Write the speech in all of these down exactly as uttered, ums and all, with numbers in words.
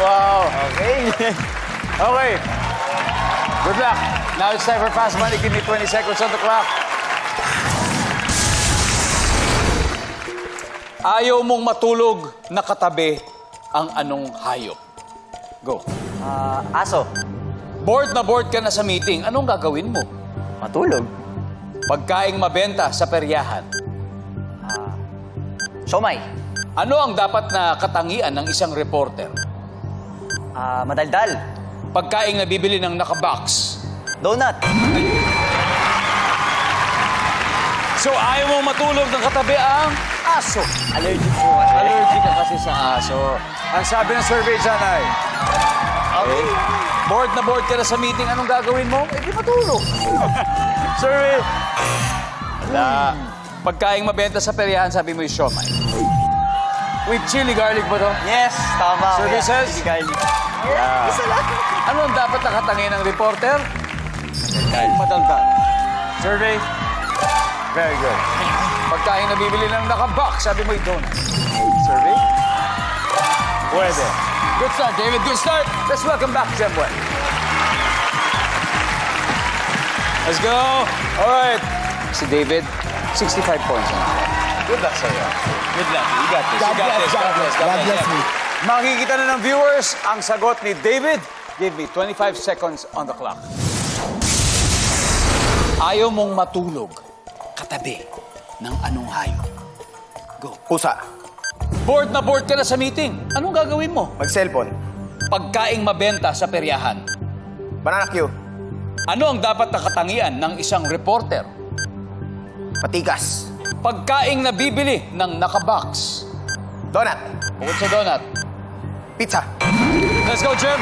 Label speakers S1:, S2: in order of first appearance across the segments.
S1: wow.
S2: Okay.
S1: Okay. Good luck. Now it's time for Fast Money. Give me twenty seconds on the clock. Ayaw mong matulog na katabi ang anong hayop? Go.
S2: Ah, aso.
S1: Bored na bored ka na sa meeting. Anong gagawin mo?
S2: Matulog.
S1: Pagkaing mabenta sa peryahan.
S2: Siomay.
S1: Ano ang dapat na katangian ng isang reporter?
S2: Ah, madaldal.
S1: Pagkaing nabibili ng nakabox.
S2: Donut.
S1: So ayaw mong matulog ng katabi ang aso.
S2: Allergic po.
S1: Allergic ka kasi sa aso. Ang sabi ng survey dyan ay,
S2: Okay.
S1: bored na bored ka na sa meeting, anong gagawin mo? Eh, di matulog. Survey. Wala. Pagkaing mabenta sa peryahan, sabi mo yung siomay. With chili garlic ba to?
S2: Yes, tama.
S1: Survey
S2: kuya.
S1: says?
S2: Hindi kayo.
S1: Yeah.
S2: Isa lang.
S1: Ano ang dapat nakatangin ng reporter? Madaldal. Survey. Very good. Pagkain nabibili ng nakabox, sabi mo yung donut. Survey. Pwede. Good start, David. Good start. Let's welcome back Jemwell. Let's go. All right. Si David, sixty-five points na. Good luck sa'yo. Good luck. You got this.
S3: God
S1: You got
S3: bless,
S1: this.
S3: God bless, God bless me.
S1: Makikita na ng viewers ang sagot ni David. Give me twenty-five seconds on the clock. Ayaw mong matulog katabi ng anong hayop? Go.
S3: Pusa.
S1: Bored na bored ka na sa meeting. Anong gagawin mo?
S3: Mag-cellphone.
S1: Pagkaing mabenta sa peryahan.
S3: Banana Q.
S1: Ano ang dapat na katangian ng isang reporter?
S3: Patikas.
S1: Pagkaing nabibili ng nakabox.
S3: Donut.
S1: Bukod sa donut.
S3: Pizza.
S1: Let's go, Jim.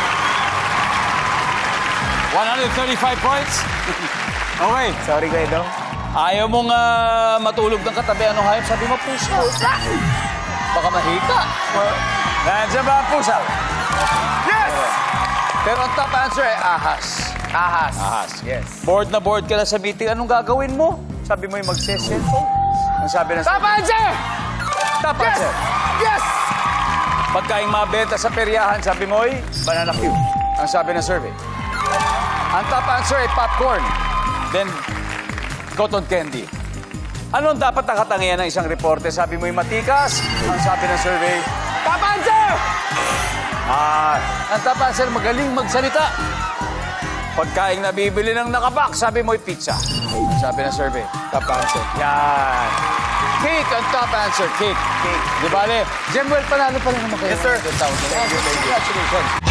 S1: one hundred thirty-five points. Okay.
S3: Sorry, Kuya Dong.
S1: Ayaw mong ah, matulog ng katabi. Anong hayop? Sabi mo, pusa. Pusa. Baka mahika. Nandiyan ba ang pusa?
S3: Yes!
S1: Pero ang top answer ay ahas.
S3: Ahas.
S1: Ahas.
S3: Yes.
S1: Bored na bored ka na sa meeting. Anong gagawin mo? Sabi mo yung mag-cellphone. Ang sabi ng...
S3: Top answer!
S1: Top answer.
S3: Yes!
S1: Pagkaing mabenta sa peryahan, sabi mo ay banana Q. Ang sabi ng survey. Ang top answer ay popcorn. Then, cotton candy. Ano ang dapat nakatangian ng isang reporter? Sabi mo yung matikas. Ang sabi ng survey.
S3: Top answer!
S1: Ah, ang top answer, magaling magsalita. Pagkaing nabibili ng nakabox, sabi mo yung pizza. Ang sabi ng survey.
S3: Top answer.
S1: Yan. Cake ang top answer. Cake. Cake. Di ba, Le? Jemwell, panalo pa rin naman kayo.
S3: Yes, sir.
S1: Thank you, thank you. Congratulations.